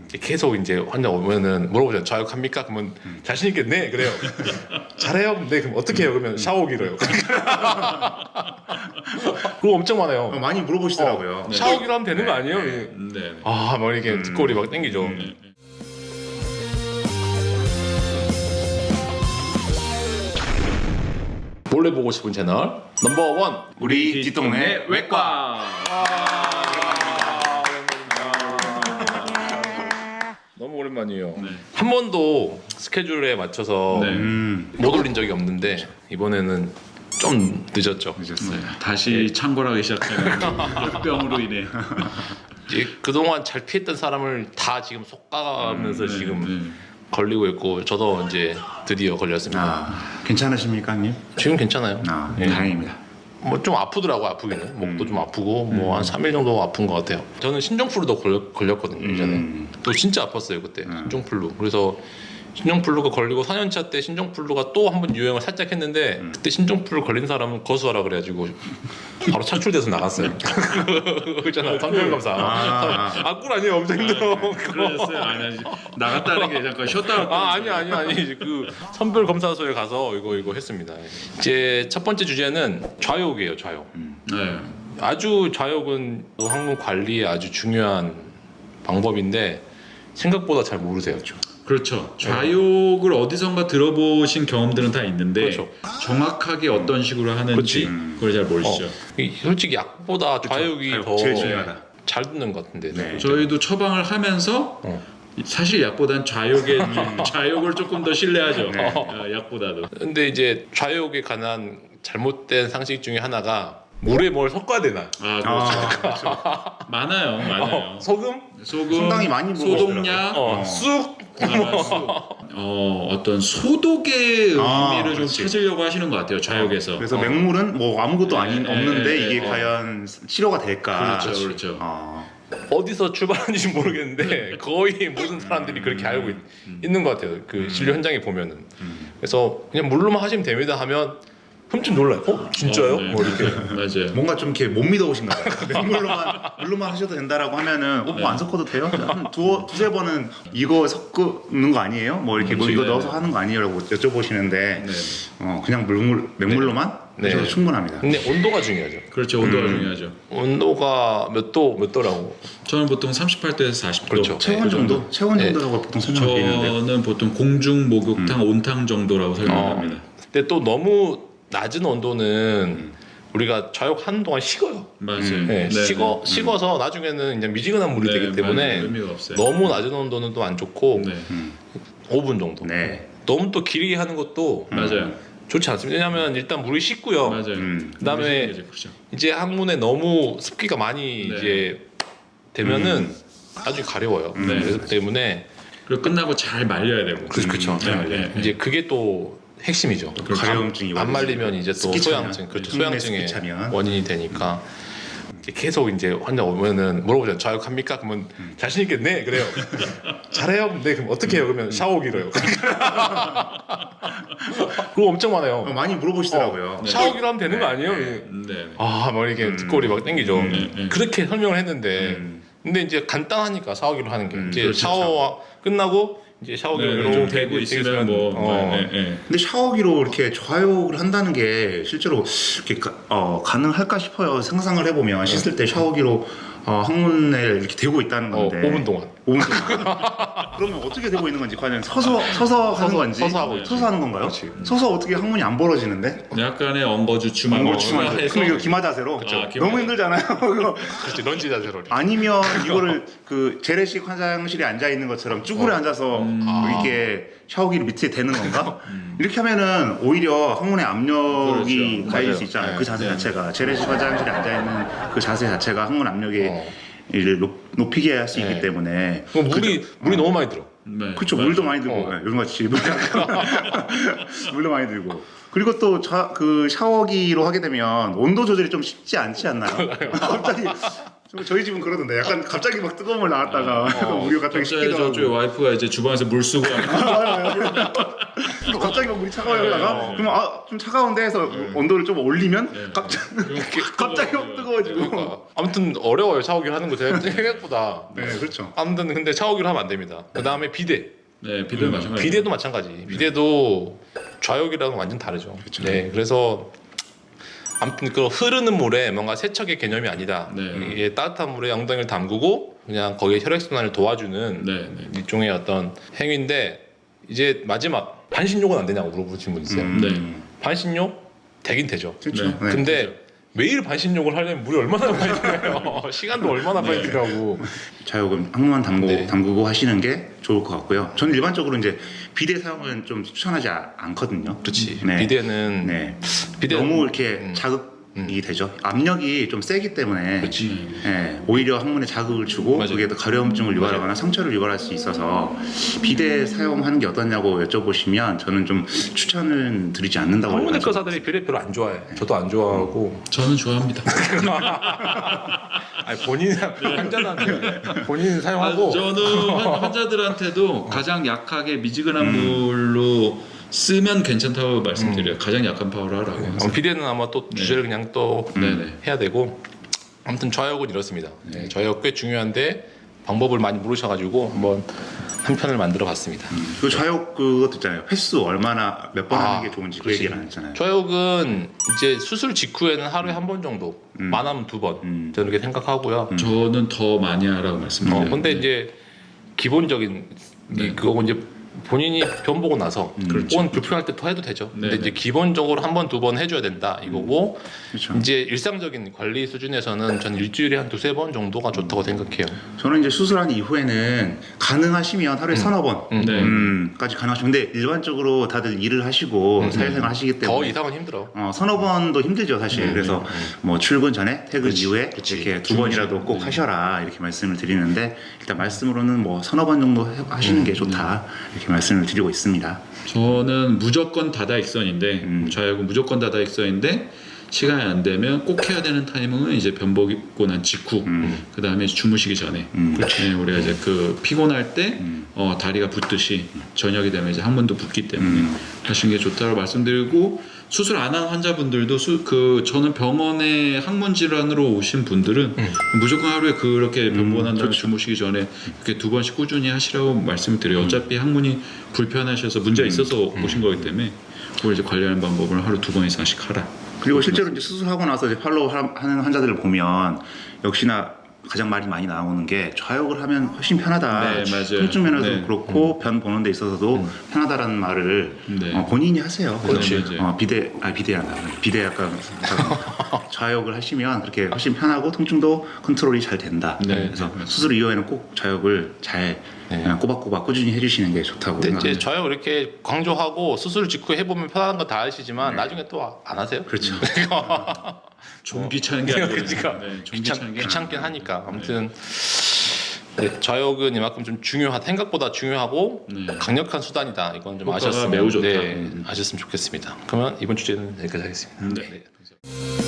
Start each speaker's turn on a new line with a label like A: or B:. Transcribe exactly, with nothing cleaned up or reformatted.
A: 계속 이제 환자 오면은 물어보잖아요. 좌욕합니까? 그러면 음. 자신 있게 네 그래요. 잘해요. 네 그럼 어떻게 해요? 그러면 샤워기로 해요. 그거 엄청 많아요.
B: 어, 많이 물어보시더라고요.
A: 어, 샤워기로 하면 되는
B: 네.
A: 거 아니에요?
B: 네.
C: 네.
A: 아, 뭐 이렇게
B: 음.
A: 뒷골이 막 땡기죠.
C: 네.
A: 몰래 보고 싶은 채널 넘버원
B: 우리 뒷동네 외과.
A: 너무 오랜만이에요.
C: 네.
A: 한 번도 스케줄에 맞춰서
C: 네.
B: 음,
A: 못 올린 적이 없는데 이번에는 좀 늦었죠.
B: 늦었어요.
C: 다시 창궐하기 시작하는 역병으로 인해.
A: 이제 그동안 잘 피했던 사람을 다 지금 속아가면서
C: 네,
A: 지금
C: 네.
A: 걸리고 있고 저도 이제 드디어 걸렸습니다.
B: 아, 괜찮으십니까, 님?
A: 지금 괜찮아요.
B: 아,
A: 예.
B: 다행입니다.
A: 뭐 좀 아프더라고 아프기는 목도
B: 음.
A: 좀 아프고 뭐 한 삼 일 정도 아픈 것 같아요. 저는 신종플루도 걸렸, 걸렸거든요 예전에.
B: 음.
A: 또 진짜 아팠어요 그때
B: 음.
A: 신종플루. 그래서 신종플루가 걸리고 사 년 차 때 신종플루가 또 한 번 유행을 살짝 했는데
B: 음.
A: 그때 신종플루 걸린 사람은 거수하라 그래가지고 바로 차출돼서 나갔어요. 그잖아 선별검사.
B: 아.
A: 아꿀 아니에요 엄청 힘들어.
C: 그러셨어요? 아니, 아니 나갔다는 게 잠깐 쉬었다 왔다.
A: 아 아니 아니 아니 그 선별 검사소에 가서 이거 이거 했습니다. 이제 첫 번째 주제는 좌욕이에요 좌욕.
C: 네.
A: 아주 좌욕은 항문 관리에 아주 중요한 방법인데 생각보다 잘 모르세요.
C: 그렇죠. 좌욕을 어디선가 들어보신 경험들은 다 있는데
A: 그렇죠.
C: 정확하게 어떤 식으로 하는지
A: 그렇지.
C: 그걸 잘 모르시죠.
A: 어, 이- 솔직히 약보다 좌욕이
B: 좌욕
A: 더
B: 제일 중요하다.
A: 잘 듣는 것 같은데.
B: 네.
C: 저희도 처방을 하면서
A: 어.
C: 사실 약보단 좌욕의 좌욕을 조금 더 신뢰하죠.
B: 네.
C: 어, 약보다도.
A: 근데 이제 좌욕에 관한 잘못된 상식 중에 하나가 물에 뭘 섞어야 되나?
C: 아
B: 아,
C: 그렇죠. 많아요, 많아요.
A: 어, 소금?
C: 소금,
B: 상당히 많이
C: 소독약,
A: 어,
B: 어.
A: 쑥?
C: 어, 어떤 소독의
B: 아,
C: 의미를 좀
B: 그렇지.
C: 찾으려고 하시는 것 같아요. 좌욕에서.
B: 그래서
A: 어.
B: 맹물은 뭐 아무것도
C: 네,
B: 아닌
C: 네,
B: 없는데
C: 네,
B: 이게
C: 네.
B: 과연 치료가 될까?
C: 그렇죠, 그렇죠.
B: 아,
A: 어디서 출발하는지 모르겠는데 거의 모든 사람들이 그렇게 알고 있, 있는 것 같아요. 그 진료 현장에 보면은.
B: 음.
A: 그래서 그냥 물로만 하시면 됩니다 하면 흠칫 놀라요. 어? 진짜요?
C: 어, 네.
A: 뭐 이렇게.
C: 맞아요.
B: 뭔가 좀 이렇게 못 믿어오신가 봐요. 맹물로만 물로만 하셔도 된다라고 하면은 어,
C: 네.
B: 뭐 안 섞어도 돼요? 한 두, 두세 번은 이거 섞는 거 아니에요? 뭐 이렇게 뭐
C: 그렇지,
B: 이거
C: 네,
B: 넣어서
C: 네.
B: 하는 거 아니에요? 라고 여쭤보시는데
C: 네.
B: 어, 그냥 물물, 맹물로만
A: 네.
B: 하셔도 충분합니다.
A: 근데 온도가 중요하죠.
C: 그렇죠. 온도가
B: 음.
C: 중요하죠.
A: 온도가 몇 도, 몇 도라고.
C: 저는 보통 삼십팔 도에서 사십 도.
A: 그렇죠.
B: 체온 정도? 체온
A: 네.
B: 정도라고 보통 설명을 드리는데
C: 저는 보통 공중 목욕탕
B: 음.
C: 온탕 정도라고
A: 어.
C: 설명합니다.
A: 근데 또 너무 낮은 온도는
B: 음.
A: 우리가 좌욕하는 동안 식어요.
C: 맞아요.
B: 음.
A: 네,
C: 네,
A: 식어,
C: 네.
A: 식어서 나중에는 그냥 미지근한 물이
C: 네,
A: 되기 때문에
C: 맞아요. 의미가 없어요.
A: 너무 낮은 온도는 또 안 좋고
C: 네.
B: 음.
A: 오 분 정도.
B: 네.
A: 너무 또 길게 하는 것도
C: 맞아요.
A: 좋지 않습니다. 왜냐하면 일단 물이 식고요.
C: 맞아요.
B: 음.
A: 그다음에
C: 그렇죠.
A: 이제 항문에 너무 습기가 많이
C: 네.
A: 이제 되면은 나중에 가려워요.
B: 음.
A: 그래서 때문에
C: 그리고 끝나고 잘 말려야 되고.
A: 그렇죠, 그렇죠.
C: 네, 네, 네.
A: 이제 그게 또 핵심이죠.
B: 가려움증이
A: 안 말리면 이제 또
B: 습기 차면,
A: 소양증, 그렇죠.
B: 항문에
A: 소양증의
B: 습기 차면.
A: 원인이 되니까 이제 계속 이제 환자 오면은 물어보잖아요. 좌욕합니까? 그러면 자신 있게 네 그래요. 잘해요. 네 그럼 어떻게 해요? 그러면 샤워기로 해요. 그거 엄청 많아요.
B: 어, 많이 물어보시더라고요.
A: 어, 샤워기로 하면 되는 거
B: 네,
A: 아니에요?
B: 네.
C: 네.
A: 아, 뭐 이렇게
B: 음.
A: 뒷골이 막 땡기죠.
C: 네, 네.
A: 그렇게 설명을 했는데,
B: 음.
A: 근데 이제 간단하니까 샤워기로 하는 게
B: 음,
A: 이제
C: 그렇죠.
A: 샤워 끝나고 이제 샤워기로
C: 네,
A: 이렇게
C: 좀 되고 있으면 뭐.
A: 어,
C: 네, 네.
B: 근데 샤워기로 이렇게 좌욕을 한다는 게 실제로 이렇게 가, 어, 가능할까 싶어요. 상상을 해보면 씻을 때 샤워기로 어, 항문에 이렇게 대고 있다는
A: 어,
B: 건데
A: 오 분 동안.
B: 오 분 동안. 그러면 어떻게 되고 있는 건지 과연 서서 서서 하는 건지
A: 서서 하고 있지.
B: 서서 하는 건가요?
A: 그렇지.
B: 서서 어떻게 항문이 안 벌어지는데?
C: 약간의 엉거주춤한
B: 뭐
C: 거
B: 주만
C: 해서
B: 그럼 이거 기마 자세로
C: 그쵸. 기마
B: 너무
C: 자세.
B: 힘들잖아요. 그거.
A: 그렇지, 런지 자세로.
B: 아니면 이거를 그 재래식 화장실에 앉아 있는 것처럼 쭈그려
A: 어.
B: 앉아서
C: 음.
B: 이렇게 샤워기를 밑에 대는 건가? 이렇게 하면은 오히려 항문에 압력이
C: 그렇죠.
B: 가해질
A: 맞아요.
B: 수 있잖아요.
A: 네.
B: 그 자세
C: 네.
B: 자체가 재래식 화장실에 앉아 있는 그 자세 자체가 항문 압력이
A: 어.
B: 를 높, 높이게 할 수
A: 네.
B: 있기 때문에
A: 그럼 물이 물이 너무 많이 들어.
C: 네,
B: 그렇죠.
C: 맞아요.
B: 물도 많이 들고
A: 어.
B: 네, 요즘같이 물 물도 많이 들고 그리고 또 그 샤워기로 하게 되면 온도 조절이 좀 쉽지 않지 않나요? 갑자기 저희 집은 그러던데 약간 갑자기 막 뜨거운 물 나왔다가
A: 어,
B: 우리가 갑자기
C: 갑자기
B: 식기도
C: 저쪽에
B: 하고
C: 와이프가 이제 주방에서 물 쓰고 하면
B: 또 갑자기 막 물이 차가워졌다가
C: 네, 네.
B: 그러면 아 좀 차가운데 해서 온도를 좀 올리면
C: 네.
B: 갑자기
C: 이렇게
B: 갑자기 막 뜨거워지고
A: 그러니까 아무튼 어려워요 샤워기를 하는 거 제가 생각보다.
B: 네 그렇죠.
A: 아무튼 근데 샤워기를 하면 안 됩니다. 그 다음에 비데.
C: 네, 비도
B: 음,
C: 마찬가지.
A: 비데도 마찬가지. 비데도 좌욕이랑은 완전 다르죠.
B: 그쵸.
A: 네, 그래서 아무튼 그 흐르는 물에 뭔가 세척의 개념이 아니다.
C: 네.
A: 이게 따뜻한 물에 엉덩이를 담그고 그냥 거기에 혈액순환을 도와주는
C: 네, 네.
A: 일종의 어떤 행위인데 이제 마지막 반신욕은 안 되냐고 물어보신 분 있어요.
B: 음,
C: 네.
A: 반신욕 되긴 되죠.
B: 그렇죠.
C: 네.
B: 네.
A: 근데 매일 반신욕을 하려면 물이 얼마나 많이 들어요. 시간도 얼마나 많이 들어가고.
B: 자욕은 항문만 담고,
A: 네.
B: 담그고 하시는 게 좋을 것 같고요. 저는 일반적으로 이제 비데 사용은 좀 추천하지 아- 않거든요.
A: 그렇지.
B: 네.
A: 비데는
B: 네.
A: 비데
B: 너무 이렇게
A: 음.
B: 자극이
A: 음.
B: 되죠. 압력이 좀 세기 때문에
A: 그렇지.
B: 네, 오히려 항문에 자극을 주고
A: 맞아요.
B: 그게 더 가려움증을 유발하거나 상처를 유발할 수 있어서 비데 사용하는 게 어떠냐고 여쭤보시면 저는 좀 추천을 드리지 않는다고
A: 한국의
B: 생각합니다.
A: 의사들이 비데 별로 안 좋아해. 저도 안 좋아하고.
C: 저는 좋아합니다.
A: 아니 본인 환자한테 본인
C: 아,
A: 사용하고.
C: 저는 환- 환자들한테도 가장 약하게 미지근한 물로 쓰면 괜찮다고 말씀드려요. 가장 약한 파워를 하라고.
A: 어,
C: 항상.
A: 비데는 아마 또 주제를 그냥 또
C: 네네.
A: 해야 되고. 아무튼 좌욕은 이렇습니다. 네, 좌욕 꽤 중요한데 방법을 많이 모르셔가지고 한번 한 편을 만들어 봤습니다.
B: 그 좌욕 그것도 있잖아요. 횟수 얼마나 몇 번
A: 아,
B: 하는 게 좋은지 그
A: 그렇지.
B: 얘기를 안 했잖아요.
A: 좌욕은 이제 수술 직후에는 하루에 한 번 정도,
B: 음.
A: 많으면 두 번.
B: 음.
A: 저는 그렇게 생각하고요.
C: 저는 더 많이 하라고
A: 어,
C: 말씀드려요.
A: 근데
C: 네.
A: 이제 기본적인
C: 네.
A: 이 그거 이제 본인이 병 보고 나서
C: 그렇죠.
A: 혹은 불편할 때 더 해도 되죠. 근데
C: 네,
A: 이제
C: 네.
A: 기본적으로 한 번 두 번 해줘야 된다 이거고
B: 그렇죠.
A: 이제 일상적인 관리 수준에서는 전 일주일에 한 두세 번 정도가 좋다고 생각해요.
B: 저는 이제 수술한 이후에는 가능하시면 하루에 서너 번
A: 음.
C: 네.
B: 음, 까지 가능하시면 근데 일반적으로 다들 일을 하시고
A: 음.
B: 사회생활 하시기
A: 더
B: 때문에
A: 이상은 힘들어.
B: 어, 서너 번도 힘들죠 사실.
A: 음,
B: 그래서
A: 음, 음.
B: 뭐 출근 전에 퇴근
A: 그치,
B: 이후에
A: 그치.
B: 이렇게 두 번이라도 꼭
C: 네.
B: 하셔라 이렇게 말씀을 드리는데 일단 말씀으로는 뭐 서너 번 정도 해- 하시는
A: 음,
B: 게 좋다 이렇게 말씀을 드리고 있습니다.
C: 저는 무조건 다다익선인데
B: 음.
C: 좌욕은 무조건 다다익선인데 시간이 안 되면 꼭 해야 되는 타이밍은 이제 변 보고 난 직후
B: 음.
C: 그 다음에 주무시기 전에
B: 음.
C: 네, 우리가 이제 그 피곤할 때
B: 음.
C: 어, 다리가 붓듯이 저녁이 되면 이제 항문도 붓기 때문에
B: 음.
C: 하시는 게 좋다고 말씀드리고 수술 안 한 환자분들도 수, 그 저는 병원에 항문 질환으로 오신 분들은
A: 음.
C: 무조건 하루에 그렇게 변보고 난 다음에
B: 그렇죠.
C: 주무시기 전에 이렇게 두 번씩 꾸준히 하시라고 말씀을 드려요. 어차피 항문이 불편하셔서 문제가 있어서 오신 거기 때문에 그걸 이제 관리하는 방법을 하루 두 번 이상씩 하라.
B: 그리고 실제로 이제 수술하고 나서 이제 팔로우 하- 하는 환자들을 보면 역시나 가장 말이 많이 나오는 게 좌욕을 하면 훨씬 편하다.
C: 네, 맞아요.
B: 통증 면에서도
C: 네.
B: 그렇고 변 보는 데 있어서도
A: 음.
B: 편하다라는 말을
C: 네.
B: 어, 본인이 하세요.
C: 그렇지.
B: 그래서,
C: 맞아요.
B: 어, 비대 아 비대야 비대 약간 좌욕을 하시면 그렇게 훨씬 편하고 통증도 컨트롤이 잘 된다.
C: 네,
B: 그래서
C: 네, 맞습니다.
B: 수술 이후에는 꼭 좌욕을 잘
A: 네.
B: 그냥 꼬박꼬박 꾸준히 해주시는 게 좋다고
A: 근데 이제
B: 생각합니다.
A: 좌욕 이렇게 강조하고 수술 직후에 해보면 편한 거 다 아시지만
B: 네.
A: 나중에 또 안 하세요?
B: 그렇죠.
C: 좀 귀찮은 게 아니라
A: 그러니까
C: 네, 좀
A: 귀찮,
C: 귀찮은 게
A: 귀찮긴
C: 아니라.
A: 하니까 아무튼 네, 좌욕은 이만큼 좀 중요한 생각보다 중요하고
C: 네.
A: 강력한 수단이다. 이건 좀
C: 효과가
A: 아셨으면
C: 매우 좋다.
A: 네,
C: 음.
A: 아셨으면 좋겠습니다. 그러면 이번 주제는 여기까지 하겠습니다.
C: 네.
A: 네.